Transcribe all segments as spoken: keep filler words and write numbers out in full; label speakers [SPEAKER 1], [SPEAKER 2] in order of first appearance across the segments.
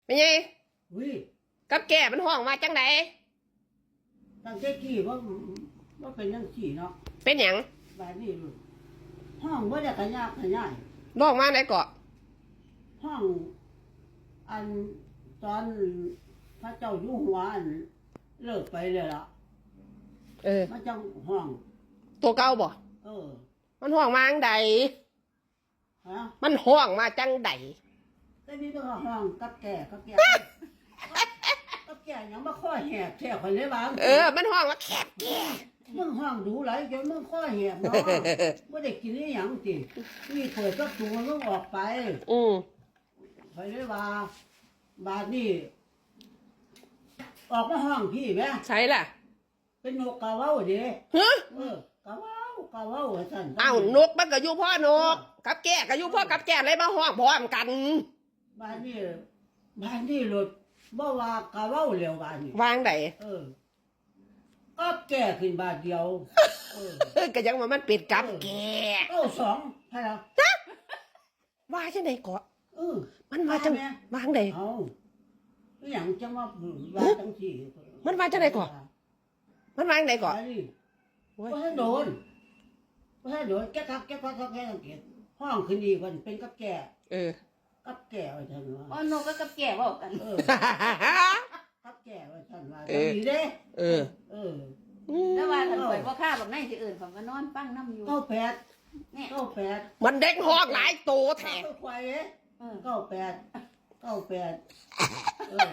[SPEAKER 1] เป็นไง
[SPEAKER 2] วิ
[SPEAKER 1] กับแก่มันห้องมาจังได
[SPEAKER 2] ตั้งแต่กี้ว่าว่าเป็นยังสี่เนาะ
[SPEAKER 1] เป็นหยัง
[SPEAKER 2] แบบนี้ลูกห้องว่าจะขยากขยาย
[SPEAKER 1] น้องมาไหนเกาะ
[SPEAKER 2] ห้องอันตอนพระเจ้าอยู่หัวอันเลิกไปเลยล่ะ
[SPEAKER 1] เออ
[SPEAKER 2] มันจังห้อง
[SPEAKER 1] ตัวเก่าบ่
[SPEAKER 2] เออ
[SPEAKER 1] มันห้องมาจังได
[SPEAKER 2] ฮะ
[SPEAKER 1] มันห้องมาจังได
[SPEAKER 2] แต่นี่ก็ห้องกับแก่กับแก่กับแก่ยังมาข้อแหบแท้คนเลยบ้าง
[SPEAKER 1] เออมันห้องมาแคบแก่
[SPEAKER 2] มึงห้องดูไหลจนมึงข้อแหบเนาะไม่ได้กินนี่ยังสินี่เปิดก็ตัวมึงออกไป
[SPEAKER 1] อืม
[SPEAKER 2] ไปเลยว่าบาดนี่ออกมาห้องพี่แม่
[SPEAKER 1] ใช่ล่ะ
[SPEAKER 2] เป็นนกกาเว้าเด้
[SPEAKER 1] ฮะ
[SPEAKER 2] เออกาเว้ากาเว้าสั่น
[SPEAKER 1] อ้าวนกมันก็อยู่พ่อนกกับแก่ก็อยู่พ่อกับแก่เลยมาห้องพร้อมกัน
[SPEAKER 2] บาดนี่บาดนี่รถบ่ว่ากาเว้าเร็วบาดนี่
[SPEAKER 1] วางได
[SPEAKER 2] เออก็แก่ขึ้นบาทเดียวเออ
[SPEAKER 1] ก็ยังว่ามันเป็ดกับแก่
[SPEAKER 2] เอ้าสองใช่แล้ว
[SPEAKER 1] ว่าจังไดเกาะ
[SPEAKER 2] เออ
[SPEAKER 1] มันว่าจังวางได
[SPEAKER 2] เอ้าอย่างจังว่าว่าจังสี่
[SPEAKER 1] มันว่าจังไดเกาะมันวางไดเกาะ
[SPEAKER 2] ว่าให้โดนว่าให้โดนแก้คักแก้คักแก้สังเกตห้องขึ้นดีกว่าเป็นกับแก่
[SPEAKER 1] เออ
[SPEAKER 2] กับแก่ไว้ท่านว่า
[SPEAKER 3] อ๋อนกก็กับแก่บอกกัน
[SPEAKER 2] เออกับแก่ไว้ท่านว่าดีเด้
[SPEAKER 1] เออ
[SPEAKER 2] เออ
[SPEAKER 3] แล้วว่าท่านข่อยบ่ฆ่าแบบไหนสิอื่นผมก็นอนฟังน้ำอยู่
[SPEAKER 2] เก้าแปดเก้าแปด
[SPEAKER 1] มันเด็กห้องหลายโตแท้
[SPEAKER 2] ควายเด้เก้าแปดเก้าแปดเออ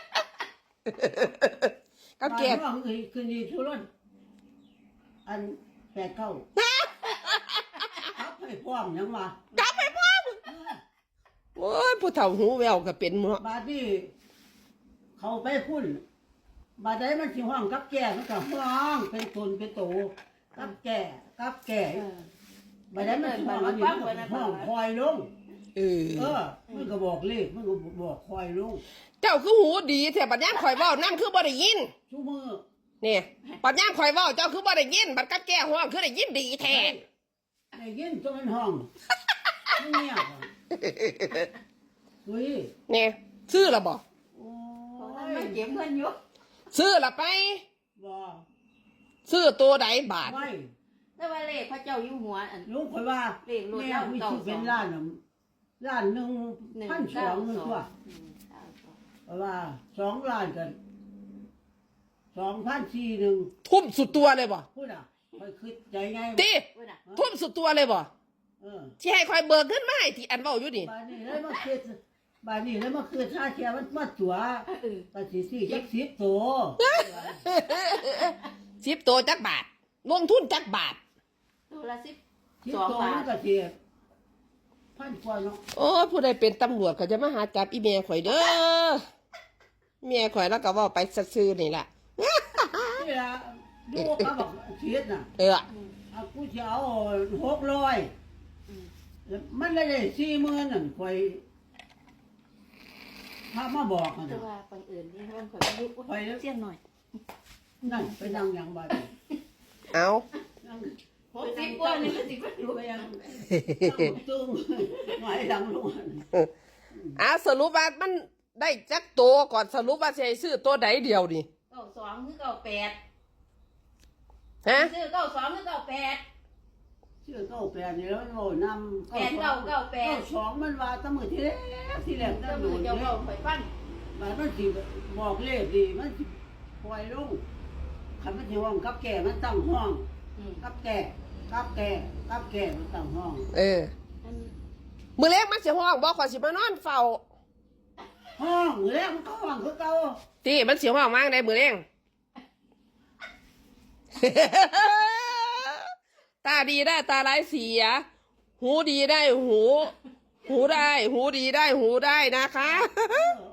[SPEAKER 1] กับแก่
[SPEAKER 2] ห้องคืนดีทุรนอันแปดเก้าครับให้พร้อมยังมา
[SPEAKER 1] จับให้พร้อมโอ้ยผู้เฒ่าหูแววก็เป็นมั้ง
[SPEAKER 2] บาดนี้เขาไปพุ่นบาดได้มันสิห้องกับแก่มันก็ห้องเป็นตนเป็นโตกับแก่กับแก่บาดได้มันสิห้องอันนี้ห้องคอยลง
[SPEAKER 1] เออ
[SPEAKER 2] เออมันก็บอกเลขมันก็บอกคอยลง
[SPEAKER 1] เจ้าคือหูดีแท้บัดยามข่อยเว้านั่นคือบ่ได้ยิน
[SPEAKER 2] ชูมือ
[SPEAKER 1] นี่บัดยามข่อยเว้าเจ้าคือบ่ได้ยินบัดกับแก่ห้องคือได้ยินดีแท้
[SPEAKER 2] ได้ยินจนมันห้องเงียบเฮ้ย
[SPEAKER 1] นี่ซื้อละบ่
[SPEAKER 2] โอ้
[SPEAKER 3] ยมันเก็บเงินอยู่
[SPEAKER 1] ซื้อละไป
[SPEAKER 2] บ่
[SPEAKER 1] ซื้อตัวใดบาท
[SPEAKER 2] ไม่
[SPEAKER 3] แต่ว่าเลขพระเจ้าอยู่หัวอัน
[SPEAKER 2] รู้ข่อยว่า
[SPEAKER 3] เลขรถเรา
[SPEAKER 2] เก่าเป็นล้านน่ะล้านหนึ่งพันสองนึงตัวเพราะว่าสองล้านกันสองพันสี่หนึ่ง
[SPEAKER 1] ทุ่มสุดตัวเลยบ่
[SPEAKER 2] พูดอ่ะข่อยคิดใจไง
[SPEAKER 1] ตีทุ่มสุดตัวเลยบ่
[SPEAKER 2] เออ
[SPEAKER 1] ที่ให้ข่อยเบิกขึ้นมาให้ที่อันเว้าอยู่นี่
[SPEAKER 2] บาดนี้แล้วมาคิดบาดนี้แล้วมาคือชาเทียมันมาตัวภาษีสี่จักสิบโต
[SPEAKER 1] สิบตัวจักบาทลงทุนจักบาท
[SPEAKER 3] ตัวละสิบ
[SPEAKER 2] สองบาทก็เทียพันกว่าเนาะ
[SPEAKER 1] โอ้ผู้ใดเป็นตำรวจก็จะมาหาจับอีเมียข่อยเด้อเมียข่อยแล้วก็ว่าไปซื่อๆนี่แหละ
[SPEAKER 2] นี่ล่ะดูเขาบอกเทียดน่ะ
[SPEAKER 1] เออ
[SPEAKER 2] เอากูจะเอาหกร้อยมันได้สี่หมื่นนั่นข่อยถ้ามาบอกนะ
[SPEAKER 3] แต่ว่าคนอื่นนี่มันข่อยยุบข่อยเสี้ยนหน่อย
[SPEAKER 2] นั่นไปนั่งอย่างบ้าน
[SPEAKER 1] เอา
[SPEAKER 3] หกสิบกว่านี่ก็สิบกว่าอยู่
[SPEAKER 2] ไปยังตึ้งหน่อยดังลง
[SPEAKER 1] อ่ะสรุปว่ามันได้จักตัวก่อนสรุปว่าจะซื้อตัวใดเดียวนี่
[SPEAKER 3] เก้าสองหรือเก้าแปด
[SPEAKER 1] ฮะ
[SPEAKER 3] ซื้อเก้าสองหรือเก้าแปด
[SPEAKER 2] ชื่อเก้าแปดนี่แล้วมันโง่นำ
[SPEAKER 3] แปดเก้าเก้าแปด
[SPEAKER 2] เก้าสองมันว่าตั้งมือที่แรกที่แรกตั้งมือ
[SPEAKER 3] เจ้าเก้าข่อยฟัน
[SPEAKER 2] มันมันสิบอกเลขดีมันสิปล่อยลงคันมันสิห้องกับแก่มันตั้งห้องกับแก่กับแก่กับแก่มันตั้งห้อง
[SPEAKER 1] เออมือเล็กมันสิห้องบอกขอสิมานอนเฝ้า
[SPEAKER 2] ห้องมือเล็กมันก็ห้องคือเก่า
[SPEAKER 1] ที่มันสิห้องมากได้มือเล็กตาดีได้ตาร้ายเสียหูดีได้หูหูได้หูดีได้หูได้นะคะ